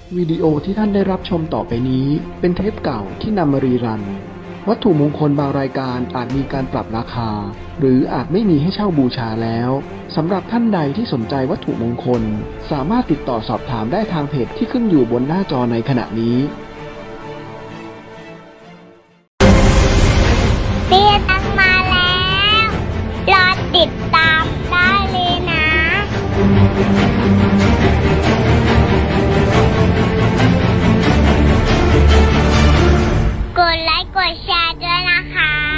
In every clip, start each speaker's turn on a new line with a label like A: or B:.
A: วิดีโอที่ท่านได้รับชมต่อไปนี้เป็นเทปเก่าที่นำมารีรันวัตถุมงคลบางรายการอาจมีการปรับราคาหรืออาจไม่มีให้เช่าบูชาแล้วสำหรับท่านใดที่สนใจวัตถุมงคลสามารถติดต่อสอบถามได้ทางเพจที่ขึ้นอยู่บนหน้าจอในขณะนี้
B: เตี้ยตั้งมาแล้ว รอติดตามได้เลยนะ กดไลค์กดแชร์ด้วยนะคะ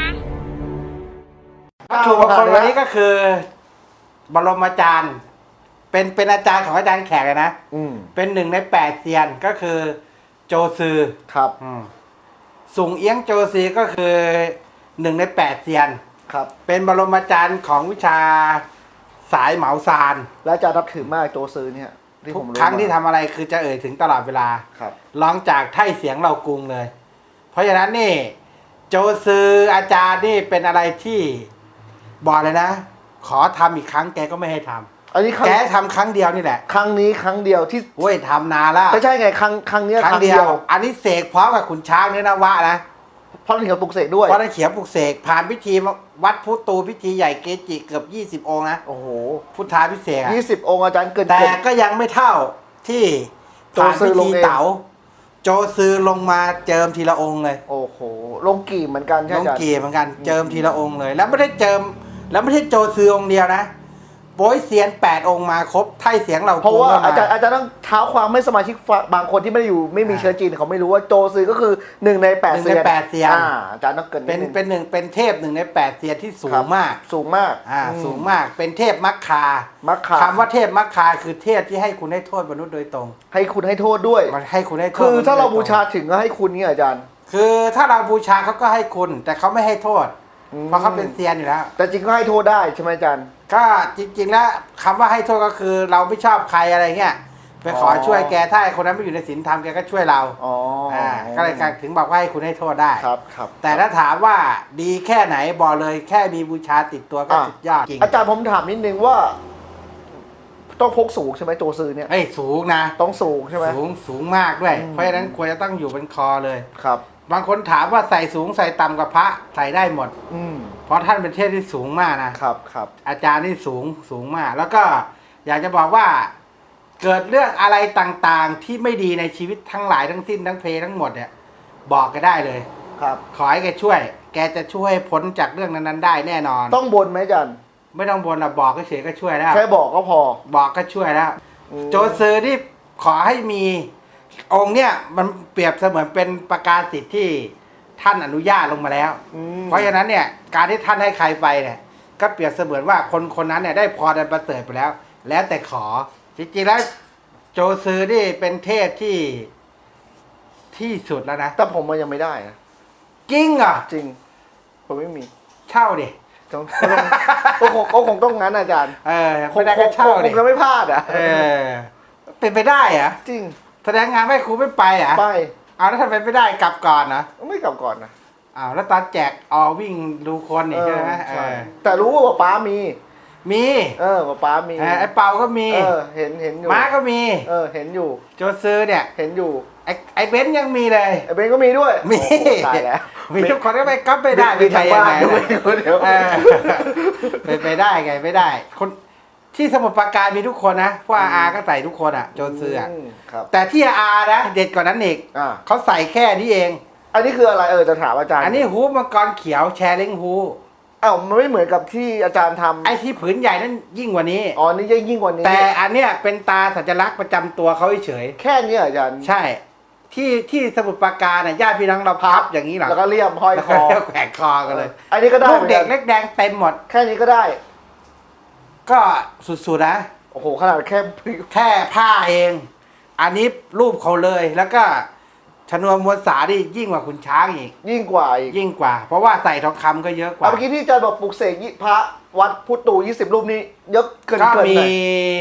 C: วัตถุมงคลวันนี้ก็คือบรมอาจารย์เป็นอาจารย์ของอาจารย์แขกเลยนะเป็น1 ใน 8เซียนก็คือโจซือ
D: ครับ
C: สุงเอี้ยงโจซีก็คือ1 ใน 8เซียน
D: ครับ
C: เป็นบรมอาจารย์ของวิชาสายเหมาซาน
D: และอาจารย์นับถือมากโจซือเนี่ยที่
C: ทุ
D: ผ
C: ก
D: มรู้
C: ครั้งที่ทำอะไรคือจะเอ่ยถึงตลอดเวลา
D: ครับ
C: ร้องจากไท่เสียงเรากรุงเลย เพราะฉะนั้นนี่โจซืออาจารย์นี่เป็นอะไรที่บอกเลยนะ ขอทำอีกครั้งแกก็ไม่ให้ทำ
D: อันนี้
C: แกทำครั้งเดียวนี่แหละ
D: ครั้งนี้ครั้งเดียวที่
C: โว้ยทำนานแล้ว
D: ไม่ใช่ไงครั้งนี้
C: ครั้งเดียว อันนี้เสกพร้อมกับขุนช้างเนี่ยนะวะนะ
D: เพราะนี่เขาปลุกเสกด้วย
C: เพราะนั่นเขียนปลุกเสกผ่านพิธีวัดพุตูพิธีใหญ่เกจิเกือบ20 องค์นะ
D: โอ้โห
C: พุทธาพิเศษก
D: 20 องค์อาจารย์เกิน
C: แต่ก็ยังไม่เท่าที่ผ่านพิธีเต๋าโจซือลงมาเจิมทีละองค์เลย
D: โอ้โหลงกี่เหมือนกันใช่
C: ล
D: ไหม
C: ง
D: อาจารย์
C: เกียร์เหมือนกันเจิมทีละองค์เลย แล้วไม่ได้เจิมแล้วไม่ใช่โจซือองค์เดียวนะโป้ยเซียน8 องค์มาครบไท่เสียงเรา
D: เพราะว่า
C: ก็ม
D: อาจารย์ต้องเท้าความไม่สมาชิกบางคนที่ไม่ได้อยู่ไม่มีเชื้อจีนเขาไม่รู้ว่าโจซือก็คือ1 ใน 8
C: 1 ใน 8เซียน
D: อาจารย์ต้องเกิน
C: เป็นเทพ1 ใน 8เซียนที่สูงมาก
D: สูงมาก
C: สูงมากเป็นเทพมัคคา
D: มัคคา
C: คำว่าเทพมัคคาคือเทพที่ให้คุณให้โทษมนุษย์โดยตรง
D: ให้คุณให้โทษด้วย
C: มันให้คุณให้โทษ
D: คือถ้าเรา
C: มนุ
D: บู
C: ษย์โดยตง
D: ชาถึงก็ให้คุณเนี่ยอาจารย์
C: คือถ้าเราบูชาเขาก็ให้คุณ แต่เขาไม่ให้โทษ เพราะเขาเป็นเซียนอยู่แล้ว
D: แต่จริงก็ให้โทษได้ใช่ไหมอาจารย์
C: ก็จริง ๆ แล้วคำว่าให้โทษก็คือเราไม่ชอบใครอะไรเงี้ยไปขอช่วยแกถ้าไอ้คนนั้นไม่อยู่ในศีลธรรมแกก็ช่วยเรา
D: อ๋อ
C: ก็เลยถึงบอกว่าให้คุณให้โทษได้
D: ครับ
C: แต่ถ้าถามว่าดีแค่ไหนบอกเลยแค่มีบูชาติดตัวก็สุดยอดจริง
D: อาจารย์ผมถามนิดนึงว่า ต้องพกสูงใช่ไหมโจซือเนี่ย
C: เฮ้ยสูงนะ
D: ต้องสูงใช่ไหม
C: สูงมากด้วย เพราะฉะนั้นควรจะต้องอยู่บนคอเลย
D: ครับ
C: บางคนถามว่าใส่สูงใส่ต่ำกับพระใส่ได้หมด เพราะท่านเป็นเทพที่สูงมากนะครับ อาจารย์นี่สูงมาก แล้วก็อยากจะบอกว่าเกิดเรื่องอะไรต่างๆที่ไม่ดีในชีวิตทั้งหลายทั้งสิ้นทั้งเพทั้งหมดเนี่ยบอกแกได้เลย
D: ครับ
C: ขอให้แกช่วย แกจะช่วยให้พ้นจากเรื่องนั้นๆได้แน่นอน
D: ต้องบนไหมอาจารย์
C: ไม่ต้องบนหรอกบอกเฉยๆก็ช่วยแล้ว
D: แค่บอกก็พอ
C: บอกก็ช่วยแล้ว โจซือนี่ขอให้มีองค์เนี่ยมันเปรียบเสมือนเป็นประกาศสิทธิ์ที่ท่านอนุญาตลงมาแล้ว เพราะฉะนั้นเนี่ยการที่ท่านให้ใครไปเนี่ยก็เปรียบเสมือนว่าคนนั้นเนี่ยได้พรอันประเสริฐไปแล้ว แล้วแต่ขอจริงๆแล้วโจซือนี่เป็นเทพที่สุดแล้วนะ
D: แต่ผมมันยังไม่ได้นะ
C: จริงเหรอ
D: จริง ผมไม่มี
C: เช่าดิ
D: ก็คงต้องงั้นอาจารย์
C: ไม่ได้ก็เช่า
D: ค
C: ดิ
D: งจะไม่พลาดอ่ะ
C: เป็นไปได้เหรอ
D: จริง
C: แสดงงานไม่ครูไม่ไปเหรอ
D: ไป
C: เอาแล้วทำไมไม่ได้กลับก่อนนะ
D: ไม่กลับก่อนนะ
C: อ้าวแล้วตอนแจกวิ่งดูคนนี่ใช่ไหม
D: ใช่แต่รู้ว่าป๊ามี
C: มี
D: ป๊ามี
C: ไอ้เปาก็มี
D: เห็นอยู่
C: ม้าก็มี
D: เห็นอยู่
C: โจซือเนี่ย
D: เห็นอยู่
C: ไอ้เบนซ์ยังมีเลย
D: ไอ้เบนก็มีด้วย
C: มี
D: โอ้โหตายแล้ว
C: มีทุกคนก็ไปก๊อปไม่ได้
D: มีทางบ้าน
C: ไป
D: ด้วย
C: ยังไง
D: เดี๋ยว
C: เป็นไปได้ไงไม่ได้ คนที่สมุทรปราการมีทุกคนนะเพราะอาก็ใส่ทุกคนอ่ะโจซืออ่ะ
D: ครับ
C: แต่ที่อานะเด็ดกว่านั้นอีก เขาใส่แค่นี้เอง
D: อันนี้คืออะไรจะถามอาจารย์
C: อันนี้ฮูปมังกรเขียวแชร์ลิงฮู
D: มันไม่เหมือนกับที่อาจารย์ทำ
C: ไอ้ที่ผืนใหญ่นั้นยิ่งกว่านี้
D: อ๋อนี่ยิ่งกว่านี้
C: แต่อันเนี้ยเป็นตาสัญลักษณ์ประจำตัวเขาเฉย
D: แค่นี้อาจารย์
C: ใช่ ที่สมุทรปราการน่ะญาติพี่น้องเราพับอย่างนี้หรอ
D: แล้วก็เลี่ยมห้อย
C: แล้ว
D: ค
C: ก็
D: อ
C: แขวนคอกันเลย
D: อันนี้ก็ได้
C: ลูกเด็กเล็กแดงเต็มหมด
D: แค่นี้ก็ได้
C: ก็สุดๆนะ
D: โอ้โหขนาดแค่
C: แค่ผ้าเอง อันนี้รูปเขาเลย แล้วก็ชนวนมวลสานี่ยิ่งกว่าขุนช้างอีก
D: ยิ่งกว่าอีก
C: ยิ่งกว่า เพราะว่าใส่ทองคำก็เยอะกว่า
D: เมื่อกี้ที่อาจารย์บอกปลุกเสกพระวัดพุทธตู20 รูปนี้เยอะเกิน
C: ก็
D: ห
C: มี
D: น่อย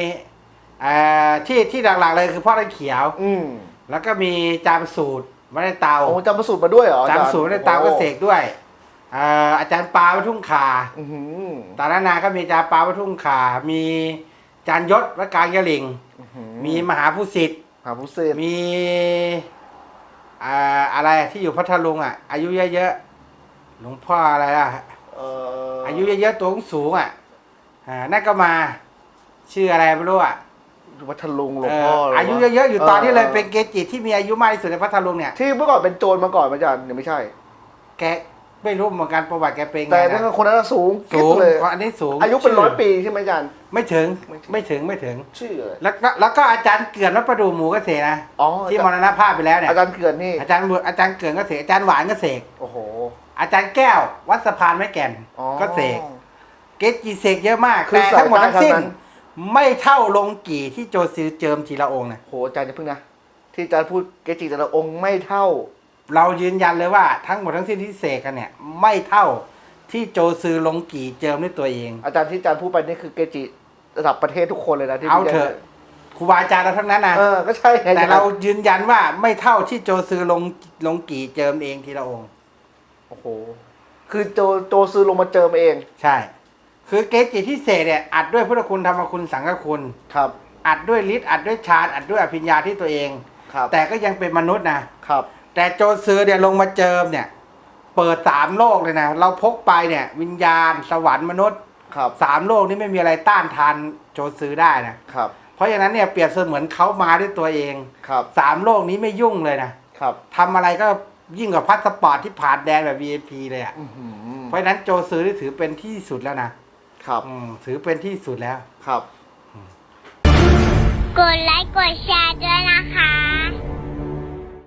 C: ที่หลักๆเลยคือพ่อตะเขียว แล้วก็มีจามสูตรไว้ในเตา
D: โอ้จำประสูตรมาด้วยเหรอ
C: จามสูตรไว้ในเตาก็เสกด้วยอาจารย์ปาวัดทุ่งขาตานานาก็มีอาจารย์ปาวัดทุ่งขามีอาจารย์ยศวัดกลางยะหลิงมีมหาผู้สิทธิ์
D: หาผู้เสพ
C: มีอะไรที่อยู่พัทลุงอ่ะ อายุเยอะๆหลวงพ่ออะไรอ่ะ อายุเยอะๆตัวสูงอ่ะนั่นก็มา ชื่ออะไรไม่รู้อ่ะ
D: พัทลุงหลวงพ่อหรื
C: อายุเยอะๆอยู่ตอนนี้เลยเป็นเกจิที่มีอายุมากที่สุดในพัทลุงเนี่ย
D: ที่เมื่อก่อนเป็นโจรมาก่อนอาจารย์ยังไม่ใช่
C: แกไม่รู้เหมือนกันประวัติแกเป็นไง
D: แต่นั่น
C: นะ
D: คนนั้นสูง
C: สูง
D: เลย
C: อันนี้สูง
D: อายุเป็น100 ปีใช่ไหมอาจารย์
C: ไม่ถึง
D: ไม่ถึง
C: ไม่ถึง
D: ชื่ออะไร
C: แล้วก็อาจารย์เกือนวัดประดูหมูก็เสกนะ
D: อ๋อ
C: ที่มรณภาพไปแล้วเนี่ย
D: อาจารย์เขื่อนนี่
C: อาจารย์เกือนก็เสกอาจารย์หวานก็เสก
D: โอ้โห
C: อาจารย์แก้ววัดสะพานไม้แก่น
D: อ๋อ
C: ก็เสกเกจิเสกเยอะมาก
D: คือ
C: แต่ทั้งหมดทั้งสิ้น
D: สายใต้ทั้งนั้น
C: ไม่เท่าลงกี่ที่โจซือเจิมทีละองค์นะ
D: โหอาจารย์จะพึ่งนะที่อาจารย์พูดเกจิแต่ละองค์ไม่เท่า
C: เรายืนยันเลยว่าทั้งหมดทั้งสิ้นที่เสกกันเนี่ย ไม่เท่าที่โจซือลงกี่เจิมด้วยตัวเอง
D: อาจารย์ที่อาจารย์พูดไปนี่คือเกจิระดับประเทศทุกคนเลยนะที่
C: เอา
D: พี่
C: เถอะครูบาอาจารย์เราทั้งนั้นนะ
D: ก็ใช่ไง
C: แต่เรายืนยันว่าไม่เท่าที่โจซือลงกี่เจิมเองทีละองค์
D: โอ้โหคือโจซื้อลงมาเจิมเอง
C: ใช่ คือเกจิที่เสกเนี่ยอัดด้วยพุทธคุณธรรมคุณสังฆคุณ
D: ครับ
C: อัดด้วยฤทธิ์อัดด้วยฌานอัดด้วยอภิญญาที่ตัวเอง
D: ครับ
C: แต่ก็ยังเป็นมนุษย์นะครับ แต่โจซือเนี่ยลงมาเจิมเนี่ย เปิด3โลกเลยนะเราพกไปเนี่ย วิญญาณสวรรค์มนุษย์
D: ครับ
C: 3โลกนี้ไม่มีอะไรต้านทานโจซือได้นะครับ เพราะฉะนั้นเนี่ยเปรียบเสมือนเขามาด้วยตัวเอง
D: ครับ
C: 3โลกนี้ไม่ยุ่งเลยนะครับ ทำอะไรก็ยิ่งกว่าพาสปอร์ตที่ผ่านแดนแบบ VIP เลยอ่ะ
D: อื้อหือ
C: เพราะฉะนั้นโจซือที่ถือเป็นที่สุดแล้วนะครับ ถือเป็นที่สุดแล้ว
D: ครับ
B: กดไลค์กดแชร์ด้วยนะคะ